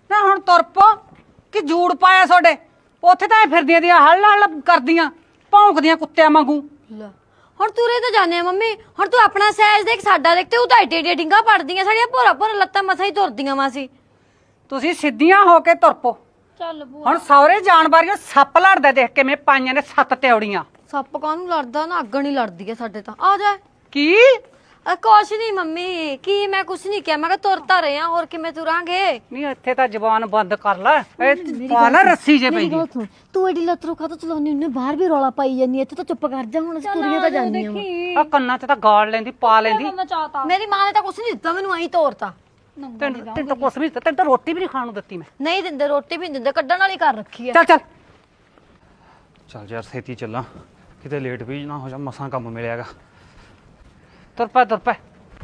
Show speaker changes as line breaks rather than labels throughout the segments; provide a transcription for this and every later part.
ਨਾ ਹੁਣ ਤੁਰ ਪੋ ਕਿ ਜੂੜ ਪਾਇਆ ਤੁਹਾਡੇ ਉੱਥੇ ਤਾਂ ਇਹ ਫਿਰਦੀਆਂ ਦੀਆਂ ਹੱਲ ਹੱਲ ਕਰਦੀਆਂ ਭੌਂਕਦੀਆਂ ਕੁੱਤਿਆਂ ਵਾਂਗੂ।
ਲੈ ਹੁਣ ਤੁਰੇ ਤਾਂ ਜਾਣੇ ਆ ਮੰਮੀ। ਹੁਣ ਤੂੰ ਆਪਣਾ ਸਾਈਜ਼ ਦੇਖ ਸਾਡਾ ਦੇਖ ਤੇ ਉਹ ਤਾਂ ਏਡੇ ਡਿੰਗਾ ਪੜਦੀਆਂ ਸਾਡੀਆਂ ਭੋਰਾ ਭੋਰਾ ਲੱਤਾਂ ਮਸਾਂ ਹੀ ਤੁਰਦੀਆਂ ਵਾ ਸੀ।
ਤੁਸੀਂ ਸਿੱਧੀਆਂ ਹੋ ਕੇ ਤੁਰ ਪੋ।
ਚੱਲ ਭੂਆ
ਹੁਣ ਸੌਰੇ ਜਾਣ ਵਾਰੀਆਂ ਸੱਪ ਲੜਦਾ ਦੇਖ ਕਿਵੇਂ ਪਾਈਆਂ ਨੇ 7 ਤਿਉੜੀਆਂ।
ਸੱਪ ਕਾਹਨੂੰ ਲੜਦਾ ਨਾ ਅੱਗਣ ਹੀ ਲੜਦੀ ਆ ਸਾਡੇ ਤਾਂ। ਆ ਜਾ
ਕੀ
ਕੁਛ ਨਹੀਂ ਮੰਮੀ ਕੀ ਮੈਂ ਕੁਛ ਨਹੀਂ ਕਿਹਾ ਮੈਂ ਕਿਹਾ ਤੁਰ ਤਾਂ ਰਹੇ ਆ ਹੋਰ ਕਿਵੇਂ ਤੁਰਾਂਗੇ।
ਨਹੀਂ ਇੱਥੇ ਤਾਂ ਜ਼ਬਾਨ ਬੰਦ ਕਰ ਲੈ ਇਹ ਪਾ ਲੈ ਰੱਸੀ ਜੇ ਪਈ
ਤੂੰ ਐਡੀ ਲੱਤ ਰੋਖਾ ਤਾਂ ਚਲਾਉਣੀ ਉਹਨੇ ਬਾਹਰ ਵੀ ਰੌਲਾ ਪਾਈ ਜਾਂਦੀ ਇੱਥੇ ਤਾਂ ਚੁੱਪ ਕਰ ਜਾ ਹੁਣ ਤੁਰੀਆਂ ਤਾਂ ਜਾਂਦੀਆਂ
ਆ ਕੰਨਾਂ 'ਚ ਤਾਂ ਗਾਲ ਲੈਂਦੀ ਪਾ ਲੈਂਦੀ।
ਮੇਰੀ ਮਾਂ ਨੇ ਤਾਂ ਕੁਛ ਨਹੀਂ ਦਿੱਤਾ ਮੈਨੂੰ ਐਂ ਤੋਰਤਾ।
ਤੈਨੂੰ ਤਾਂ ਕੁਛ ਵੀ ਤੈਨੂੰ ਤਾਂ ਰੋਟੀ ਵੀ ਨਹੀਂ ਖਾਣ ਨੂੰ ਦਿੱਤੀ ਮੈਂ।
ਨਹੀਂ ਦਿੰਦੇ ਰੋਟੀ ਵੀ ਨਹੀਂ ਦਿੰਦੇ ਕੱਢਣ ਵਾਲੀ ਕਰ ਰੱਖੀ ਆ।
ਚੱਲ ਚੱਲ
ਚੱਲ ਯਾਰ ਛੇਤੀ ਚੱਲਾਂ ਕਿਤੇ ਲੇਟ ਵੀ ਨਾ ਹੋ ਜਾ ਮਸਾਂ ਕੰਮ ਮਿਲਿਆਗਾ।
ਤੁਰ ਪੈ ਤੁਰ ਪੈ।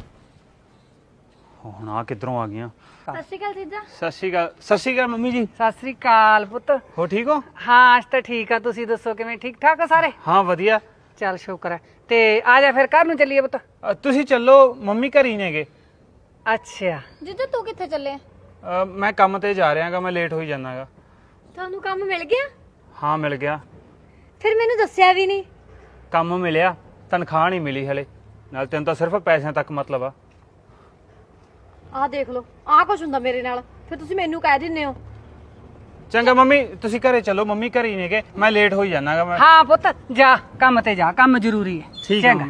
ਹੁਣ ਆ ਕਿੱਧਰੋਂ ਆ ਗਈਆਂ?
ਸਤਿ ਸ਼੍ਰੀ ਅਕਾਲ ਜੀਜਾ।
ਸਤਿ ਸ਼੍ਰੀ ਅਕਾਲ ਮੰਮੀ ਜੀ।
ਸਤਿ ਸ੍ਰੀ ਅਕਾਲ ਪੁੱਤ।
ਹੋ ਠੀਕ ਹੋ?
ਹਾਂ ਅੱਜ ਤਾਂ ਠੀਕ ਆ ਤੁਸੀਂ ਦੱਸੋ ਕਿਵੇਂ ਠੀਕ ਠਾਕ ਆ ਸਾਰੇ?
ਹਾਂ ਵਧੀਆ।
ਚੱਲ ਸ਼ੁਕਰ ਹੈ ਤੇ ਆ ਜਾ ਫਿਰ ਘਰ ਨੂੰ ਚੱਲੀਏ ਪੁੱਤ।
ਤੁਸੀਂ ਚੱਲੋ ਮੰਮੀ ਘਰ ਹੀ ਨੇਗੇ।
ਅੱਛਾ
ਜੀਜਾ ਤੂੰ ਕਿੱਥੇ ਚੱਲੇ?
ਮੈਂ ਕੰਮ ਤੇ ਜਾ ਰਿਹਾਗਾ ਮੈਂ ਲੇਟ ਹੋਈ ਜਾਣਾਗਾ।
ਤੁਹਾਨੂੰ ਕੰਮ ਮਿਲ ਗਿਆ?
ਹਾਂ ਮਿਲ ਗਿਆ।
ਫਿਰ ਮੈਨੂੰ ਦੱਸਿਆ ਵੀ ਨਹੀਂ।
ਕੰਮ ਮਿਲਿਆ ਤਨਖਾਹ ਨਹੀਂ ਮਿਲੀ ਹਲੇ ਨਾਲ ਤੈਨੂੰ ਤਾਂ ਸਿਰਫ ਪੈਸਿਆਂ ਤੱਕ ਮਤਲਬ ਆ।
ਆਹ ਦੇਖ ਲਓ ਆਹ ਕੁਛ ਹੁੰਦਾ ਮੇਰੇ ਨਾਲ ਫਿਰ ਤੁਸੀਂ ਮੈਨੂੰ ਕਹਿ ਦਿੰਦੇ ਹੋ।
ਚੰਗਾ ਮੰਮੀ ਤੁਸੀਂ ਘਰੇ ਚੱਲੋ ਮੰਮੀ ਘਰ ਹੀ ਨੇਗੇ ਮੈਂ ਲੇਟ ਹੋਈ ਜਾਣਾਗਾ ਮੈਂ।
ਹਾਂ ਪੁੱਤ ਜਾ ਕੰਮ ਤੇ ਜਾ ਕੰਮ ਜ਼ਰੂਰੀ ਹੈ।
ਠੀਕ ਹੈ ਮੰਮੀ।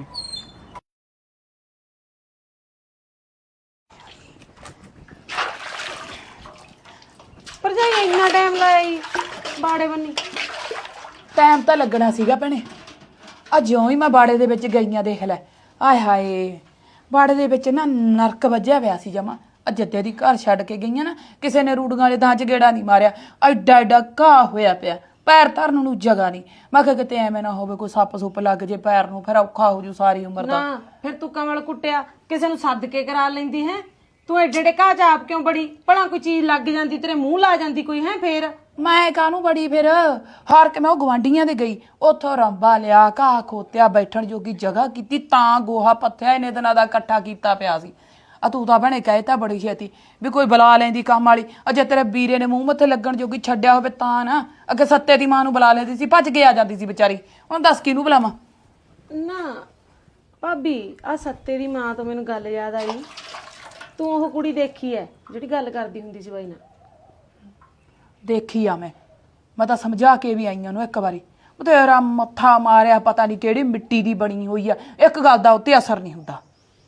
ਪਰ ਜਾਈ ਇੰਨਾ ਟਾਈਮ ਲਾਇਆ ਈ ਬਾੜੇ ਬੰਨੀ।
ਟਾਈਮ ਤਾਂ ਲੱਗਣਾ ਸੀਗਾ ਭੈਣੇ। ਆ ਜਿਉਂ ਹੀ ਮੈਂ ਬਾੜੇ ਦੇ ਵਿੱਚ ਗਈਆਂ ਦੇਖ ਲੈ ਆਏ ਹਾਏ ਬਾੜੇ ਦੇ ਵਿੱਚ ਨਾ ਨਰਕ ਵੱਜਿਆ ਪਿਆ ਸੀ ਜਮਾ। ਜੱਦੇ ਦੀ ਘਰ ਛੱਡ ਕੇ ਗਈਆਂ ਨਾ ਕਿਸੇ ਨੇ ਰੂੜੀਆਂ ਵਾਲੇ ਦਾਂ ਚ ਗੇੜਾ ਨਹੀਂ ਮਾਰਿਆ ਐਡਾ ਐਡਾ ਘਾਹ ਹੋਇਆ ਪਿਆ ਪੈਰ ਧਰਨ ਨੂੰ ਜਗ੍ਹਾ ਨਹੀਂ। ਮੈਂ ਕਿਹਾ ਕਿਤੇ ਐਵੇਂ ਨਾ ਹੋਵੇ ਕੋਈ ਸੱਪ ਸੁੱਪ ਲੱਗ ਜੇ ਪੈਰ ਨੂੰ ਫਿਰ ਔਖਾ ਹੋ ਜੂ ਸਾਰੀ ਉਮਰ ਦਾ।
ਨਾ ਫਿਰ ਤੂੰ ਕਮਲ ਕੁੱਟਿਆ ਕਿਸੇ ਨੂੰ ਸੱਦ ਕੇ ਕਰਾ ਲੈਂਦੀ ਹੈ। ਤੂੰ ਏਡੇ ਏਡੇ ਘਾਹ ਚ ਆਪ ਕਿਉਂ ਬੜੀ ਭਲਾ ਕੋਈ ਚੀਜ਼ ਲੱਗ ਜਾਂਦੀ ਤੇਰੇ ਮੂੰਹ ਲਾ ਜਾਂਦੀ ਕੋਈ ਹੈ ਫੇਰ।
ਮੈਂ ਕਾਹਨੂੰ ਬੜੀ ਫਿਰ ਹਾਰ ਕੇ ਮੈਂ ਉਹ ਗਵਾਂਢੀਆਂ ਦੇ ਗਈ ਉੱਥੋਂ ਰੰਬਾ ਲਿਆ ਘਾਹ ਖੋਤਿਆ ਬੈਠਣ ਜੋਗੀ ਜਗ੍ਹਾ ਕੀਤੀ ਤਾਂ ਗੋਹਾ ਪੱਥਿਆ ਇਹਨੇ ਦਿਨਾਂ ਦਾ ਇਕੱਠਾ ਕੀਤਾ ਪਿਆ ਸੀ। ਆ ਤੂੰ ਤਾਂ ਭੈਣੇ ਕਹੇ ਤਾਂ ਬੜੀ ਛੇਤੀ ਵੀ ਕੋਈ ਬੁਲਾ ਲੈਂਦੀ ਕੰਮ ਵਾਲੀ। ਅਜੇ ਤੇਰੇ ਵੀਰੇ ਨੇ ਮੂੰਹ ਮੱਥੇ ਲੱਗਣ ਜੋਗੀ ਛੱਡਿਆ ਹੋਵੇ ਤਾਂ ਨਾ। ਅੱਗੇ ਸੱਤੇ ਦੀ ਮਾਂ ਨੂੰ ਬੁਲਾ ਲੈਂਦੀ ਸੀ ਭੱਜ ਕੇ ਆ ਜਾਂਦੀ ਸੀ ਵਿਚਾਰੀ। ਹੁਣ ਦੱਸ ਕਿਹਨੂੰ ਬੁਲਾਵਾਂ?
ਨਾ ਭਾਬੀ ਆ ਸੱਤੇ ਦੀ ਮਾਂ ਤੋਂ ਮੈਨੂੰ ਗੱਲ ਯਾਦ ਆਈ। ਤੂੰ ਉਹ ਕੁੜੀ ਦੇਖੀ ਐ ਜਿਹੜੀ ਗੱਲ ਕਰਦੀ ਹੁੰਦੀ ਸੀ ਬਾਈ ਨਾਲ?
ਦੇਖੀ ਆ ਮੈਂ ਤਾਂ ਸਮਝਾ ਕੇ ਵੀ ਆਈ ਉਹਨੂੰ ਇੱਕ ਵਾਰੀ। ਤੇਰਾ ਮੱਥਾ ਮਾਰਿਆ ਪਤਾ ਨਹੀਂ ਕਿਹੜੀ ਮਿੱਟੀ ਦੀ ਬਣੀ ਹੋਈ ਆ। ਇੱਕ ਗੱਲ ਦਾ ਉੱਤੇ ਅਸਰ ਨਹੀਂ ਹੁੰਦਾ।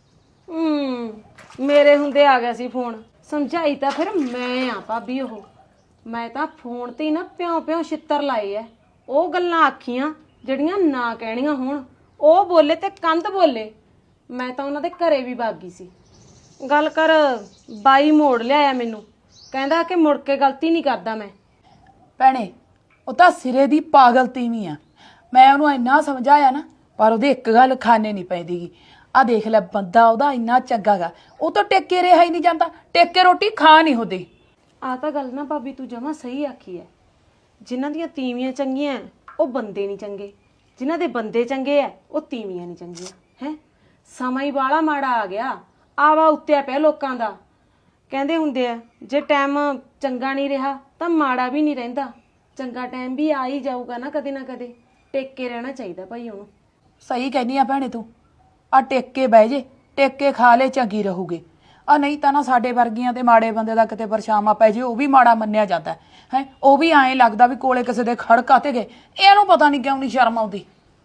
ਮੇਰੇ ਹੁੰਦੇ ਆ ਗਿਆ ਸੀ ਫੋਨ ਸਮਝਾਈ ਤਾਂ ਫਿਰ ਮੈਂ ਆ ਭਾਬੀ। ਉਹ ਮੈਂ ਤਾਂ ਫੋਨ ਤੇ ਹੀ ਨਾ ਪਿਓ ਪਿਓ ਛਿੱਤਰ ਲਾਏ ਐ। ਉਹ ਗੱਲਾਂ ਆਖੀਆਂ ਜਿਹੜੀਆਂ ਨਾ ਕਹਿਣੀਆਂ ਹੋਣ। ਉਹ ਬੋਲੇ ਤੇ ਕੰਧ ਬੋਲੇ। ਮੈਂ ਤਾਂ ਉਹਨਾਂ ਦੇ ਘਰੇ ਵੀ ਭਾਗੀ ਸੀ। ਗੱਲ ਕਰ ਬਾਈ ਮੋੜ ਲਿਆਇਆ ਮੈਨੂੰ ਕਹਿੰਦਾ ਕਿ ਮੁੜ ਕੇ ਗਲਤੀ ਨਹੀਂ ਕਰਦਾ ਮੈਂ।
ਭੈਣੇ ਉਹ ਤਾਂ ਸਿਰੇ ਦੀ ਪਾਗਲ ਤੀਵੀਂ ਆ। ਮੈਂ ਉਹਨੂੰ ਇੰਨਾ ਸਮਝਾਇਆ ਨਾ ਪਰ ਉਹਦੇ ਇੱਕ ਗੱਲ ਖਾਣੇ ਨਹੀਂ ਪੈਂਦੀਗੀ। ਆ ਦੇਖ ਲੈ ਬੰਦਾ ਉਹਦਾ ਇੰਨਾ ਚੰਗਾ ਗਾ ਉਹ ਤਾਂ ਟੇਕੇ ਰਿਹਾ ਹੀ ਨਹੀਂ ਜਾਂਦਾ। ਟੇਕੇ ਰੋਟੀ ਖਾ ਨਹੀਂ ਹੁੰਦੀ।
ਆ ਤਾਂ ਗੱਲ ਨਾ ਭਾਬੀ ਤੂੰ ਜਮਾ ਸਹੀ ਆਖੀ ਐ। ਜਿਨ੍ਹਾਂ ਦੀਆਂ ਤੀਵੀਆਂ ਚੰਗੀਆਂ ਉਹ ਬੰਦੇ ਨਹੀਂ ਚੰਗੇ। ਜਿਨ੍ਹਾਂ ਦੇ ਬੰਦੇ ਚੰਗੇ ਐ ਉਹ ਤੀਵੀਆਂ ਨਹੀਂ ਚੰਗੀਆਂ ਹੈ। ਸਮਾਂ ਹੀ ਬਾਲਾ ਮਾੜਾ ਆ ਗਿਆ। ਆਵਾ ਉੱਤਿਆ ਪਿਆ ਲੋਕਾਂ ਦਾ। ਕਹਿੰਦੇ ਹੁੰਦੇ ਆ ਜੇ ਟਾਈਮ ਚੰਗਾ ਨਹੀਂ ਰਿਹਾ ਤਾਂ ਮਾੜਾ ਵੀ ਨਹੀਂ ਰਹਿੰਦਾ। ਚੰਗਾ ਟਾਈਮ ਵੀ ਆ ਹੀ ਜਾਊਗਾ ਨਾ ਕਦੇ ਨਾ ਕਦੇ। ਟੇਕੇ ਰਹਿਣਾ ਚਾਹੀਦਾ ਭਾਈ ਉਹਨੂੰ।
ਸਹੀ ਕਹਿੰਦੀ ਆ ਭੈਣੇ ਤੂੰ। ਆ ਟੇਕੇ ਬਹਿ ਜੇ ਟੇਕੇ ਖਾ ਲੈ ਚੰਗੀ ਰਹੂਗੀ। ਆ ਨਹੀਂ ਤਾਂ ਨਾ ਸਾਡੇ ਵਰਗੀਆਂ ਤੇ ਮਾੜੇ ਬੰਦੇ ਦਾ ਕਿਤੇ ਪਰਛਾਵਾਂ ਪੈ ਜੇ ਉਹ ਵੀ ਮਾੜਾ ਮੰਨਿਆ ਜਾਂਦਾ ਹੈ। ਉਹ ਵੀ ਐਂ ਲੱਗਦਾ ਵੀ ਕੋਲੇ ਕਿਸੇ ਦੇ ਖੜਕਾ ਤੇ ਗਏ। ਇਹਨੂੰ ਪਤਾ ਨਹੀਂ ਕਿਉਂ ਨਹੀਂ ਸ਼ਰਮ ਆਉਂਦੀ।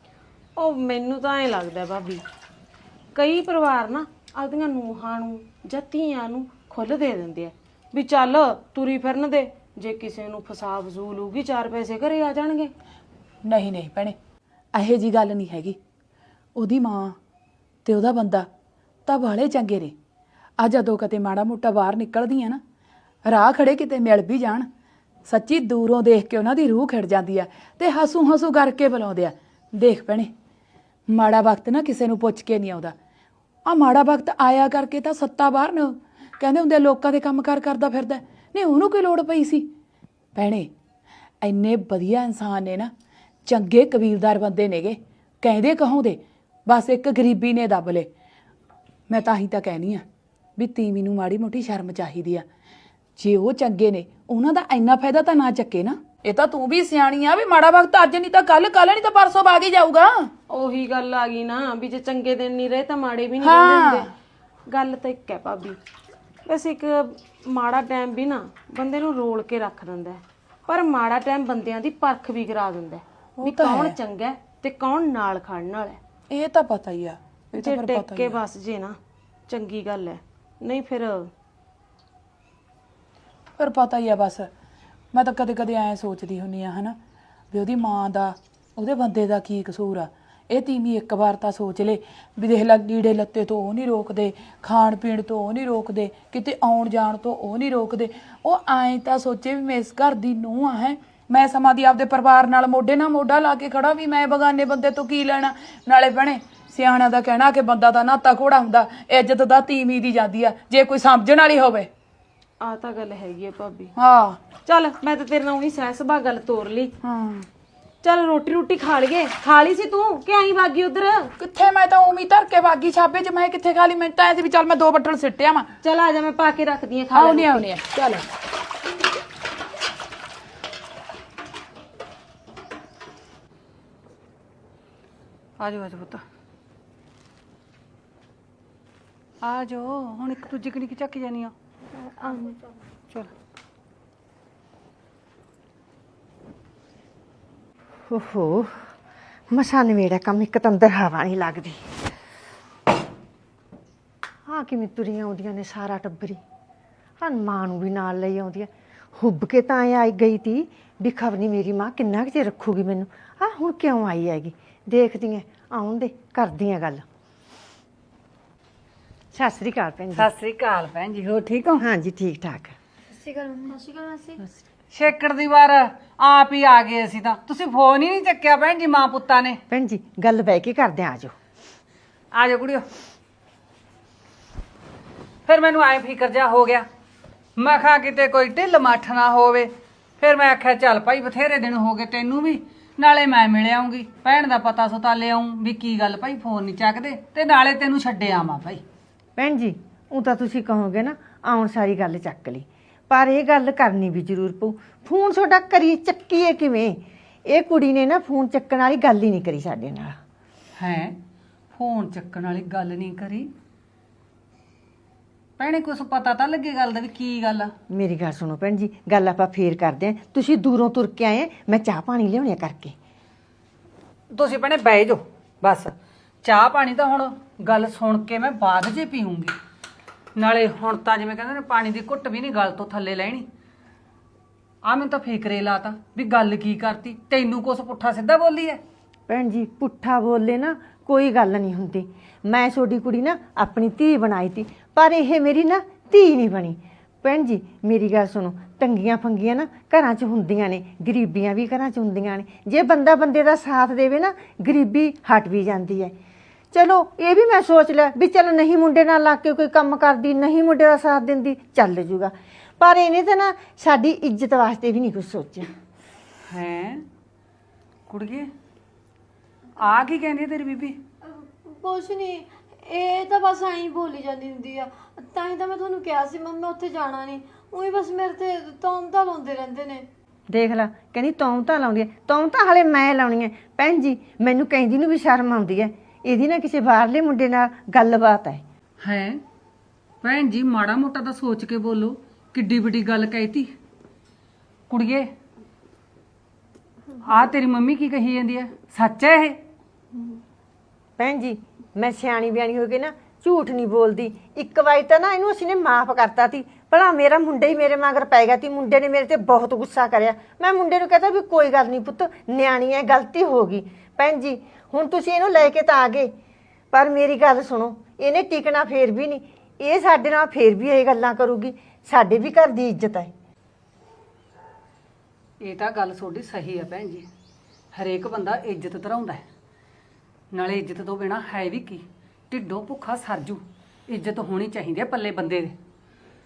ਉਹ ਮੈਨੂੰ ਤਾਂ ਐਂ ਲੱਗਦਾ ਭਾਬੀ ਕਈ ਪਰਿਵਾਰ ਨਾ ਆਪਦੀਆਂ ਨੂੰਹਾਂ ਨੂੰ ਜਾਂ ਧੀਆਂ ਨੂੰ ਖੁੱਲ੍ਹ ਦੇ ਦਿੰਦੇ ਆ ਵੀ ਚੱਲ ਤੁਰੀ ਫਿਰਨ ਦੇ। ਜੇ ਕਿਸੇ ਨੂੰ ਫਸਾ ਫਜ਼ੂਲ ਹੋਊਗੀ 4 ਪੈਸੇ ਘਰੇ ਆ ਜਾਣਗੇ।
ਨਹੀਂ ਨਹੀਂ ਭੈਣੇ ਇਹੋ ਜੀ ਗੱਲ ਨਹੀਂ ਹੈਗੀ। ਉਹਦੀ ਮਾਂ ਤੇ ਉਹਦਾ ਬੰਦਾ ਤਾਂ ਬਾਲੇ ਚੰਗੇ ਨੇ। ਆ ਜਦੋਂ ਕਦੇ ਮਾੜਾ ਮੋਟਾ ਬਾਹਰ ਨਿਕਲਦੀ ਆ ਨਾ ਰਾਹ ਖੜੇ ਕਿਤੇ ਮਿਲ ਵੀ ਜਾਣ ਸੱਚੀ ਦੂਰੋਂ ਦੇਖ ਕੇ ਉਹਨਾਂ ਦੀ ਰੂਹ ਖਿੜ ਜਾਂਦੀ ਆ ਤੇ ਹਸੂ ਹਸੂ ਕਰਕੇ ਬੁਲਾਉਂਦੇ ਆ। ਦੇਖ ਭੈਣੇ ਮਾੜਾ ਵਕਤ ਨਾ ਕਿਸੇ ਨੂੰ ਪੁੱਛ ਕੇ ਨਹੀਂ ਆਉਂਦਾ। ਆ ਮਾੜਾ ਵਕਤ ਆਇਆ ਕਰਕੇ ਤਾਂ ਸੱਤਾ ਬਾਹਰ ਨੂੰ ਕਹਿੰਦੇ ਹੁੰਦੇ ਲੋਕਾਂ ਦੇ ਕੰਮਕਾਰ ਕਰਦਾ ਫਿਰਦਾ। ਨਹੀਂ ਉਹਨੂੰ ਕੋਈ ਲੋੜ ਪਈ ਸੀ? ਭੈਣੇ ਇੰਨੇ ਵਧੀਆ ਇਨਸਾਨ ਨੇ ਨਾ ਚੰਗੇ ਕਬੀਲਦਾਰ ਬੰਦੇ ਨੇਗੇ ਕਹਿੰਦੇ ਕਹੋਂਦੇ ਬਸ ਇੱਕ ਗਰੀਬੀ ਨੇ ਦੱਬ ਲੇ। ਮੈਂ ਤਾਂ ਹੀ ਤਾਂ ਕਹਿਨੀ ਆ ਵੀ ਤੀਵੀਂ ਨੂੰ ਮਾੜੀ ਮੋਟੀ ਸ਼ਰਮ ਚਾਹੀਦੀ ਆ। ਜੇ ਉਹ ਚੰਗੇ ਨੇ ਉਹਨਾਂ ਦਾ ਇੰਨਾ ਫਾਇਦਾ ਤਾਂ ਨਾ ਚੱਕੇ ਨਾ। ਇਹ ਤਾਂ ਤੂੰ ਵੀ ਸਿਆਣੀ ਆ ਵੀ ਮਾੜਾ ਵਕਤ ਅੱਜ ਨਹੀਂ ਤਾਂ ਕੱਲ, ਕੱਲ ਨਹੀਂ ਤਾਂ ਪਰਸੋਂ ਬਾਅਦ ਹੀ ਜਾਊਗਾ।
ਉਹੀ ਗੱਲ ਆ ਗਈ ਨਾ ਵੀ ਜੇ ਚੰਗੇ ਦਿਨ ਨਹੀਂ ਰਹੇ ਤਾਂ ਮਾੜੇ ਵੀ ਨਹੀਂ ਰਹਿੰਦੇ ਹੁੰਦੇ। ਗੱਲ ਤਾਂ ਇੱਕ ਹੈ ਭਾਬੀ, ਬਸ ਇੱਕ ਮਾੜਾ ਟਾਈਮ ਵੀ ਨਾ ਬੰਦੇ ਨੂੰ ਰੋਲ ਕੇ ਰੱਖ ਦਿੰਦਾ ਹੈ, ਪਰ ਮਾੜਾ ਟਾਈਮ ਬੰਦਿਆਂ ਦੀ ਪਰਖ ਵੀ ਕਰਾ ਦਿੰਦਾ ਹੈ ਵੀ ਕੌਣ ਚੰਗਾ ਹੈ ਤੇ ਕੌਣ ਨਾਲ ਖੜਨ ਵਾਲਾ ਹੈ।
ਇਹ ਤਾਂ ਪਤਾ ਹੀ ਆ, ਇਹ ਤਾਂ
ਜੇ
ਫਿਰ
ਟਿਕ
ਪਤਾ
ਕੇ
ਹੀ ਆ।
ਬਸ ਜੇ ਨਾ ਚੰਗੀ ਗੱਲ ਹੈ, ਨਹੀਂ ਫਿਰ
ਪਰ ਪਤਾ ਹੀ ਆ ਬਸ। ਮੈਂ ਤਾਂ ਕਦੇ ਕਦੇ ਐਂ ਸੋਚਦੀ ਹੁੰਨੀ ਆ ਹਨਾ ਵੀ ਉਹਦੀ ਮਾਂ ਦਾ ਉਹਦੇ ਬੰਦੇ ਦਾ ਕੀ ਕਸੂਰ ਆ। ਇਹ ਤੀਵੀਂ ਇੱਕ ਵਾਰ ਤਾਂ ਸੋਚ ਲੇ ਵੀ ਦੇਖ ਲੈ, ਲੀੜੇ ਲੱਤੇ ਤੋਂ ਉਹ ਨਹੀਂ ਰੋਕਦੇ, ਖਾਣ ਪੀਣ ਤੋਂ ਉਹ ਨਹੀਂ ਰੋਕਦੇ, ਕਿਤੇ ਆਉਣ ਜਾਣ ਤੋਂ ਉਹ ਨਹੀਂ ਰੋਕਦੇ। ਉਹ ਐਂ ਤਾਂ ਸੋਚੇ ਵੀ ਮੈਂ ਇਸ ਘਰ ਦੀ ਨੂੰਹ ਆ, ਹੈ ਮੈਂ ਸਮਾਂ ਦੀ ਆਪਦੇ ਪਰਿਵਾਰ ਨਾਲ ਮੋਢੇ ਨਾਲ ਮੋਢਾ ਲਾ ਕੇ ਖੜਾ, ਵੀ ਮੈਂ ਬਗਾਨੇ ਬੰਦੇ ਤੋਂ ਕੀ ਲੈਣਾ। ਨਾਲੇ ਭੈਣੇ ਸਿਆਣਾ ਦਾ ਕਹਿਣਾ ਕਿ ਬੰਦਾ ਤਾਂ ਨਾਤਾ ਘੋੜਾ ਹੁੰਦਾ, ਇੱਜ਼ਤ ਦਾ ਤੀਵੀਂ ਦੀ ਜਾਂਦੀ ਆ ਜੇ ਕੋਈ ਸਮਝਣ ਵਾਲੀ ਹੋਵੇ।
ਆ ਤਾਂ ਗੱਲ ਹੈਗੀ ਹੈ ਭਾਬੀ।
ਹਾਂ
ਚੱਲ ਮੈਂ ਤਾਂ ਤੇਰੇ ਨਾਲ ਉਹੀ ਸਹਿ ਸੁਭਾਅ ਗੱਲ ਤੋਰ ਲਈ।
ਹਾਂ
ਚੱਲ ਰੋਟੀ ਖਾ ਲਈਏ। ਖਾ ਲਈ ਸੀ ਤੂੰ ਕਿ ਆਈ ਵਾਗੀ ਉਧਰ?
ਕਿੱਥੇ, ਮੈਂ ਤਾਂ ਉਮੀ ਧਰ ਕੇ ਬਾਗੀ ਛਾਪੇ ਚ, ਮੈਂ ਕਿੱਥੇ ਖਾ ਲਈ। ਮੈਂ ਤਾਂ ਐ ਸੀ ਵੀ ਚੱਲ ਮੈਂ 2 ਬੱਟਲ ਸਿੱਟਿਆ ਵਾ।
ਚੱਲ ਆ ਜਾ, ਮੈਂ ਪਾ ਕੇ ਰੱਖਦੀ ਆ, ਖਾ ਲੈ।
ਆਉਣੀ ਆ ਚੱਲ।
ਆਜੋ ਆਜੋ ਪੁੱਤ, ਆਜੋ। ਹੁਣ ਇੱਕ ਦੂਜੀ ਕਣੀ ਝੱਕ ਜਾਨੀ ਆ। ਚਲ
ਓਹੋ, ਮਸਾਂ ਨਵੇੜਾ ਕੰਮ, ਇੱਕ ਤਾਂ ਅੰਦਰ ਹਵਾ ਨਹੀਂ ਲੱਗਦੀ। ਹਾਂ ਕਿਵੇਂ ਤੁਰੀਆਂ ਆਉਂਦੀਆਂ ਨੇ ਸਾਰਾ ਟੱਬਰੀ। ਹਾਂ ਮਾਂ ਨੂੰ ਵੀ ਨਾਲ ਲਈ ਆਉਂਦੀ ਹੈ। ਹੁੱਬ ਕੇ ਤਾਂ ਆਈ ਗਈ ਤੀ ਵੀ ਖਬਰ ਨਹੀਂ ਮੇਰੀ ਮਾਂ ਕਿੰਨਾ ਕੁ ਚਿਰ ਰੱਖੂਗੀ ਮੈਨੂੰ। ਹਾਂ ਹੁਣ ਕਿਉਂ ਆਈ ਹੈਗੀ, ਦੇਖਦੀ ਐ, ਆਉਣ ਦੇ, ਕਰਦੀ ਆ ਗੱਲ। ਸਤਿ ਸ੍ਰੀ ਅਕਾਲ ਭੈਣ ਜੀ।
ਸਤਿ ਸ੍ਰੀ ਅਕਾਲ ਭੈਣ ਜੀ, ਹੋ ਠੀਕ ਹੋ?
ਹਾਂਜੀ ਠੀਕ ਠਾਕ।
ਛੇਕੜ ਦੀ ਵਾਰ ਆਪ ਹੀ ਆ ਗਏ ਅਸੀਂ ਤਾਂ, ਤੁਸੀਂ ਫੋਨ ਹੀ ਨਹੀਂ ਚੱਕਿਆ ਭੈਣ ਜੀ ਮਾਂ ਪੁੱਤਾਂ ਨੇ।
ਭੈਣ ਜੀ ਗੱਲ ਬਹਿ ਕੇ ਕਰਦੇ ਆ, ਆਜੋ।
ਆਜੋ ਕੁੜੀਓ। ਫਿਰ ਮੈਨੂੰ ਐ ਫਿਕਰ ਜਾ ਹੋ ਗਿਆ, ਮੈਂ ਕਿਹਾ ਕਿਤੇ ਕੋਈ ਢਿੱਲ ਮੱਠ ਨਾ ਹੋਵੇ। ਫਿਰ ਮੈਂ ਆਖਿਆ ਚੱਲ ਭਾਈ ਬਥੇਰੇ ਦਿਨ ਹੋ ਗਏ ਤੈਨੂੰ ਵੀ, ਨਾਲੇ ਮੈਂ ਮਿਲ ਆਉਂਗੀ, ਭੈਣ ਦਾ ਪਤਾ ਸੁਤਾ ਲੈ ਆਉਂ ਵੀ ਕੀ ਗੱਲ ਭਾਈ ਫੋਨ ਨਹੀਂ ਚੱਕਦੇ, ਤੇ ਨਾਲੇ ਤੈਨੂੰ ਛੱਡੇ ਆਵਾਂ ਭਾਈ।
ਭੈਣ ਜੀ ਉਹ ਤਾਂ ਤੁਸੀਂ ਕਹੋਗੇ ਨਾ ਆਉਣ ਸਾਰੀ ਗੱਲ ਚੱਕ ਲਈ, ਪਰ ਇਹ ਗੱਲ ਕਰਨੀ ਵੀ ਜ਼ਰੂਰ ਪਊ। ਫੋਨ ਤੁਹਾਡਾ ਕਰੀ ਚੱਕੀਏ ਕਿਵੇਂ? ਇਹ ਕੁੜੀ ਨੇ ਨਾ ਫੋਨ ਚੱਕਣ ਵਾਲੀ ਗੱਲ ਹੀ ਨਹੀਂ ਕਰੀ ਸਾਡੇ ਨਾਲ।
ਹੈ ਫੋਨ ਚੱਕਣ ਵਾਲੀ ਗੱਲ ਨਹੀਂ ਕਰੀ? ਭੈਣੇ ਕੁਛ ਪਤਾ ਤਾਂ ਲੱਗੇ ਗੱਲ ਦਾ ਵੀ ਕੀ ਗੱਲ ਆ।
ਮੇਰੀ ਗੱਲ ਸੁਣੋ ਭੈਣ ਜੀ, ਗੱਲ ਆਪਾਂ ਫੇਰ ਕਰਦੇ ਆਂ। ਤੁਸੀਂ ਦੂਰੋਂ ਤੁਰ ਕੇ ਆਏ, ਮੈਂ ਚਾਹ ਪਾਣੀ ਲਿਆਉਣੀ ਕਰਕੇ।
ਤੁਸੀਂ ਭੈਣੇ ਬਹਿ ਜਾਓ ਬਸ, ਚਾਹ ਪਾਣੀ ਤਾਂ ਹੁਣ ਗੱਲ ਸੁਣ ਕੇ ਮੈਂ ਬਾਅਦ 'ਚ ਪੀਊਂਗੀ। ਨਾਲੇ ਹੁਣ ਤਾਂ ਜਿਵੇਂ ਕਹਿੰਦੇ ਨੇ ਪਾਣੀ ਦੀ ਘੁੱਟ ਵੀ ਨਹੀਂ ਗਲ ਤੋਂ ਥੱਲੇ ਲੈਣੀ। ਆ ਮੈਨੂੰ ਤਾਂ ਫਿਕਰੇ ਲਾਤਾ ਵੀ ਗੱਲ ਕੀ ਕਰਤੀ, ਤੈਨੂੰ ਕੁਛ ਪੁੱਠਾ ਸਿੱਧਾ ਬੋਲੀ ਐ?
ਭੈਣ ਜੀ ਪੁੱਠਾ ਬੋਲੇ ਨਾ ਕੋਈ ਗੱਲ ਨਹੀਂ ਹੁੰਦੀ। ਮੈਂ ਤੁਹਾਡੀ ਕੁੜੀ ਨਾ ਆਪਣੀ ਧੀ ਬਣਾਈ ਤੀ, ਪਰ ਇਹ ਮੇਰੀ ਨਾ ਧੀ ਨਹੀਂ ਬਣੀ। ਭੈਣ ਜੀ ਮੇਰੀ ਗੱਲ ਸੁਣੋ, ਤੰਗੀਆਂ ਫੰਗੀਆਂ ਨਾ ਘਰਾਂ 'ਚ ਹੁੰਦੀਆਂ ਨੇ, ਗਰੀਬੀਆਂ ਵੀ ਘਰਾਂ 'ਚ ਹੁੰਦੀਆਂ ਨੇ। ਜੇ ਬੰਦਾ ਬੰਦੇ ਦਾ ਸਾਥ ਦੇਵੇ ਨਾ, ਗਰੀਬੀ ਹਟ ਵੀ ਜਾਂਦੀ ਹੈ। ਚਲੋ ਇਹ ਵੀ ਮੈਂ ਸੋਚ ਲਿਆ ਵੀ ਚਲ ਨਹੀਂ ਮੁੰਡੇ ਨਾਲ ਲੱਗ ਕੇ ਕੋਈ ਕੰਮ ਕਰਦੀ, ਨਹੀਂ ਮੁੰਡੇ ਦਾ ਸਾਥ ਦਿੰਦੀ, ਚੱਲ ਜੂਗਾ। ਪਰ ਇਹਨੇ ਤਾਂ ਨਾ ਸਾਡੀ ਇੱਜ਼ਤ ਵਾਸਤੇ ਵੀ ਨਹੀਂ ਕੁਝ ਸੋਚਿਆ।
ਹੈ ਕੁੜੀਏ, ਆ ਕੀ ਕਹਿੰਦੀ ਤੇਰੀ ਬੀਬੀ?
ਕੁਛ ਨਹੀਂ, ਇਹ ਤਾਂ ਬਸ ਐਂ ਬੋਲੀ ਜਾਂਦੀ ਹੁੰਦੀ ਆ। ਤਾਂ ਹੀ ਤਾਂ ਮੈਂ ਤੁਹਾਨੂੰ ਕਿਹਾ ਸੀ ਮੰਮੀ ਉੱਥੇ ਜਾਣਾ ਨਹੀਂ, ਉਹੀ ਬਸ ਮੇਰੇ ਤੇ ਤੌਮਤਾਂ ਲਾਉਂਦੇ ਰਹਿੰਦੇ ਨੇ।
ਦੇਖ ਲੈ, ਕਹਿੰਦੀ ਤੌਮਤਾਂ ਲਾਉਂਦੀ ਹੈ। ਤੌਮਤਾਂ ਹਲੇ ਮੈਂ ਲਾਉਣੀ ਹੈ। ਭੈਣ ਜੀ ਮੈਨੂੰ ਕਹਿੰਦੀ ਨੂੰ ਵੀ ਸ਼ਰਮ ਆਉਂਦੀ ਹੈ। ਇਹਦੀ ਨਾ ਕਿਸੇ ਬਾਹਰਲੇ ਮੁੰਡੇ ਨਾਲ ਗੱਲਬਾਤ ਹੈ।
ਹੈ ਭੈਣ ਜੀ ਮਾੜਾ ਮੋਟਾ ਤਾਂ ਸੋਚ ਕੇ ਬੋਲੋ, ਕਿੱਡੀ ਵੱਡੀ ਗੱਲ ਕਹਿਤੀ। ਕੁੜੀਏ ਆ ਤੇਰੀ ਮੰਮੀ ਕੀ ਕਹੀ ਜਾਂਦੀ ਹੈ, ਸੱਚ ਹੈ ਇਹ?
ਭੈਣ ਜੀ ਮੈਂ ਸਿਆਣੀ ਬਿਆਣੀ ਹੋ ਕੇ ਨਾ ਝੂਠ ਨਹੀਂ ਬੋਲਦੀ। ਇੱਕ ਵਾਰੀ ਤਾਂ ਨਾ ਇਹਨੂੰ ਅਸੀਂ ਨੇ ਮਾਫ ਕਰਤਾ ਸੀ, ਭਲਾ ਮੇਰਾ ਮੁੰਡਾ ਹੀ ਮੇਰੇ ਮਗਰ ਪੈ ਗਿਆ ਸੀ। ਮੁੰਡੇ ਨੇ ਮੇਰੇ ਤੇ ਬਹੁਤ ਗੁੱਸਾ ਕਰਿਆ। ਮੈਂ ਮੁੰਡੇ ਨੂੰ ਕਹਤਾ ਵੀ ਕੋਈ ਗੱਲ ਨਹੀਂ ਪੁੱਤ, ਨਿਆਣੀ ਹੈ, ਗਲਤੀ ਹੋ ਗਈ। ਭੈਣ ਜੀ ਹੁਣ ਤੁਸੀਂ ਇਹਨੂੰ ਲੈ ਕੇ ਤਾਂ ਆ ਗਏ, ਪਰ ਮੇਰੀ ਗੱਲ ਸੁਣੋ, ਇਹਨੇ ਟਿਕਣਾ ਫੇਰ ਵੀ ਨਹੀਂ। ਇਹ ਸਾਡੇ ਨਾਲ ਫੇਰ ਵੀ ਇਹ ਗੱਲਾਂ ਕਰੂਗੀ। ਸਾਡੇ ਵੀ ਘਰ ਦੀ ਇੱਜ਼ਤ ਹੈ।
ਇਹ ਤਾਂ ਗੱਲ ਤੁਹਾਡੀ ਸਹੀ ਹੈ ਭੈਣ ਜੀ, ਹਰੇਕ ਬੰਦਾ ਇੱਜ਼ਤ ਧਰਾਉਂਦਾ ਹੈ। ਨਾਲੇ ਇੱਜ਼ਤ ਤੋਂ ਬਿਨਾ ਹੈ ਵੀ ਕੀ, ਢਿੱਡੋਂ ਭੁੱਖਾ ਸਰਜੂ। ਇੱਜ਼ਤ ਹੋਣੀ ਚਾਹੀਦੀ ਹੈ ਪੱਲੇ ਬੰਦੇ ਦੇ।